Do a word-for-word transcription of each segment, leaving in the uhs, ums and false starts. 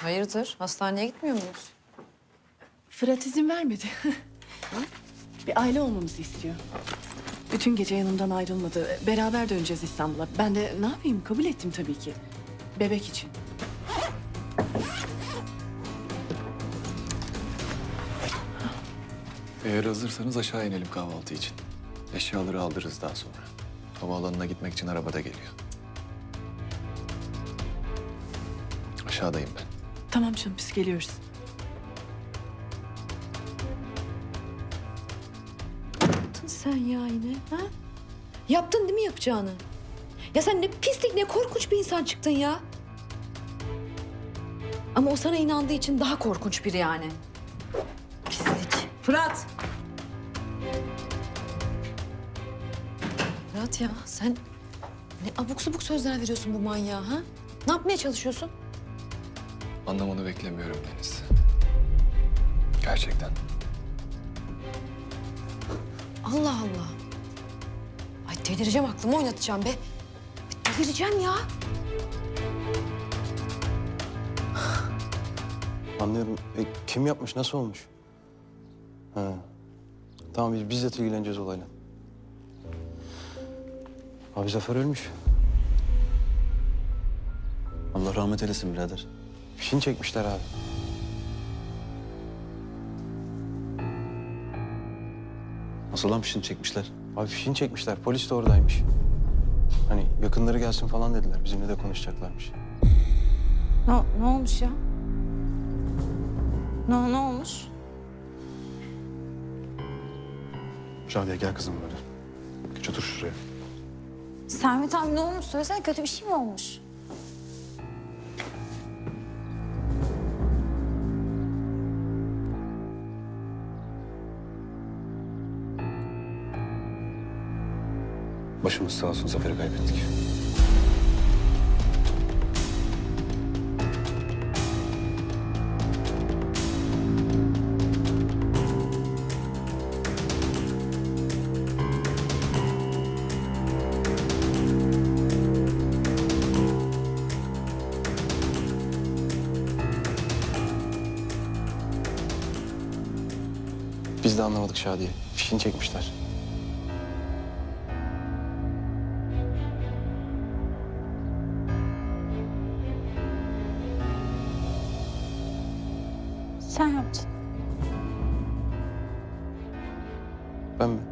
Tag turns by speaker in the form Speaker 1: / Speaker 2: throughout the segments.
Speaker 1: Hayırdır? Hastaneye gitmiyor muyuz?
Speaker 2: Fırat izin vermedi. Bir aile olmamızı istiyor. Bütün gece yanımdan ayrılmadı. Beraber döneceğiz İstanbul'a. Ben de ne yapayım? Kabul ettim tabii ki. Bebek için.
Speaker 3: Eğer hazırsanız aşağı inelim kahvaltı için. Eşyaları aldırırız daha sonra. Havaalanına gitmek için arabada geliyor. Aşağıdayım ben.
Speaker 2: Tamam canım, biz geliyoruz.
Speaker 1: Yaptın sen ya yine, ha? Yaptın değil mi yapacağını? Ya sen ne pislik, ne korkunç bir insan çıktın ya. Ama o sana inandığı için daha korkunç biri yani. Pislik. Fırat! Fırat ya, sen ne abuk subuk sözler veriyorsun bu manyağa, ha? Ne yapmaya çalışıyorsun?
Speaker 3: Anlamanı beklemiyorum Deniz. Gerçekten.
Speaker 1: Allah Allah. Ay delireceğim, aklımı oynatacağım be. Ay, delireceğim ya.
Speaker 4: Anlıyorum. E, kim yapmış? Nasıl olmuş? Ha. Tamam biz bizzat ilgileneceğiz olayla. Abi Zafer ölmüş.
Speaker 5: Allah rahmet eylesin birader.
Speaker 4: Fişini çekmişler abi.
Speaker 5: Nasıl lan fişini çekmişler?
Speaker 4: Abi fişini çekmişler. Polis de oradaymış. Hani yakınları gelsin falan dediler. Bizimle de konuşacaklarmış.
Speaker 6: Ne, ne olmuş ya? Ne, ne olmuş?
Speaker 5: Şadiye gel kızım böyle. Geç otur şuraya.
Speaker 6: Sermet abi ne olmuş? Söylesene, kötü bir şey mi olmuş?
Speaker 5: Başımız sağ olsun, Zafer'i kaybettik.
Speaker 4: Biz de anlamadık Şadiye. Fişini çekmişler.
Speaker 6: Sen yaptın.
Speaker 4: Ben mi?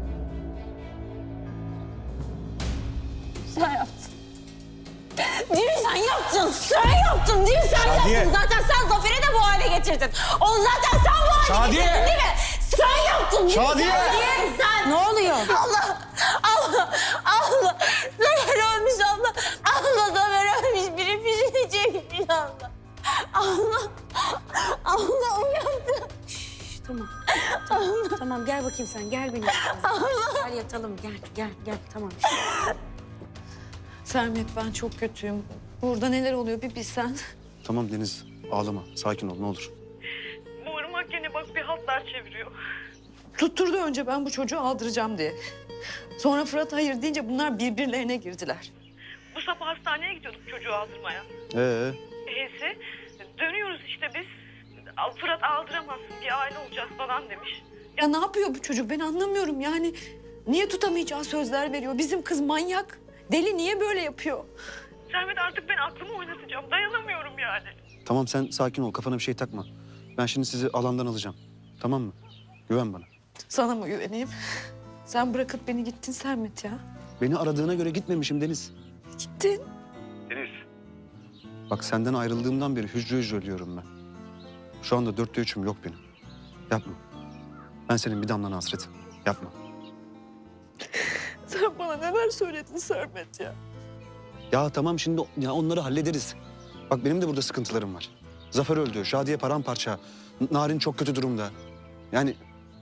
Speaker 6: Sen yaptın. Değil mi sen yaptın? Sen yaptın değil mi? Sen
Speaker 5: Şadiye.
Speaker 6: yaptın. Zaten sen Zafer'i de bu hale getirdin. Onu zaten sen bu hale
Speaker 5: Şadiye.
Speaker 6: getirdin değil mi? Sen yaptın değil mi?
Speaker 5: Şadiye.
Speaker 6: Sen, sen. Ne oluyor? Allah, Allah, Allah. Zafer ölmüş abla. Allah Zafer ölmüş. Biri fişini çekmiş abla. Allah, Allah o yaptı.
Speaker 7: Tamam. Tamam, tamam gel bakayım sen. Gel benim. Gel yatalım. Gel, gel, gel. Tamam.
Speaker 1: Sermet, ben çok kötüyüm. Burada neler oluyor bir bilsen.
Speaker 5: Tamam Deniz, ağlama. Sakin ol ne olur.
Speaker 8: Bu ırmak gene bak bir hatlar çeviriyor.
Speaker 1: Tutturdu önce ben bu çocuğu aldıracağım diye. Sonra Fırat hayır deyince bunlar birbirlerine girdiler.
Speaker 8: Bu sabah hastaneye gidiyorduk çocuğu aldırmaya.
Speaker 5: Ee,
Speaker 8: E'si dönüyoruz işte biz. Al- Fırat aldıramazsın, bir aile olacağız falan demiş.
Speaker 1: Ya ne yapıyor bu çocuk, ben anlamıyorum yani. Niye tutamayacağı sözler veriyor? Bizim kız manyak. Deli, niye böyle yapıyor?
Speaker 8: Sermet artık ben aklımı oynatacağım, dayanamıyorum yani.
Speaker 5: tamam sen sakin ol, kafana bir şey takma. Ben şimdi sizi alandan alacağım. Tamam mı? Güven bana.
Speaker 1: Sana mı güveneyim? Sen bırakıp beni gittin Sermet ya.
Speaker 5: Beni aradığına göre gitmemişim Deniz.
Speaker 1: Gittin.
Speaker 5: Bak senden ayrıldığımdan beri hücre hücre ölüyorum ben. Şu anda dörtte üçüm yok benim. Yapma. Ben senin bir damlan hasretim. Yapma.
Speaker 1: Sen bana neler söyledin Sermet ya?
Speaker 5: Ya tamam şimdi ya onları hallederiz. Bak benim de burada sıkıntılarım var. Zafer öldü, Şadiye paramparça. N- Narin çok kötü durumda. Yani...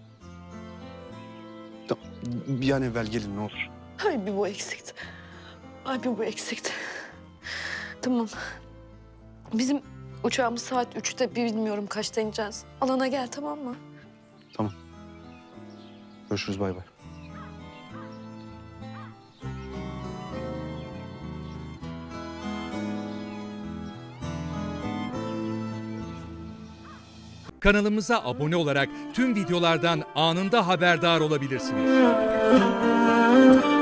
Speaker 5: Ta- Bir an evvel gelin ne olur.
Speaker 1: Ay bir bu eksikti. Ay bir bu eksikti. Tamam. Bizim uçağımız saat üçte, bir bilmiyorum kaçta ineceğiz. Alana gel, tamam mı?
Speaker 5: Tamam. Görüşürüz bay bay.
Speaker 9: Kanalımıza abone olarak tüm videolardan anında haberdar olabilirsiniz.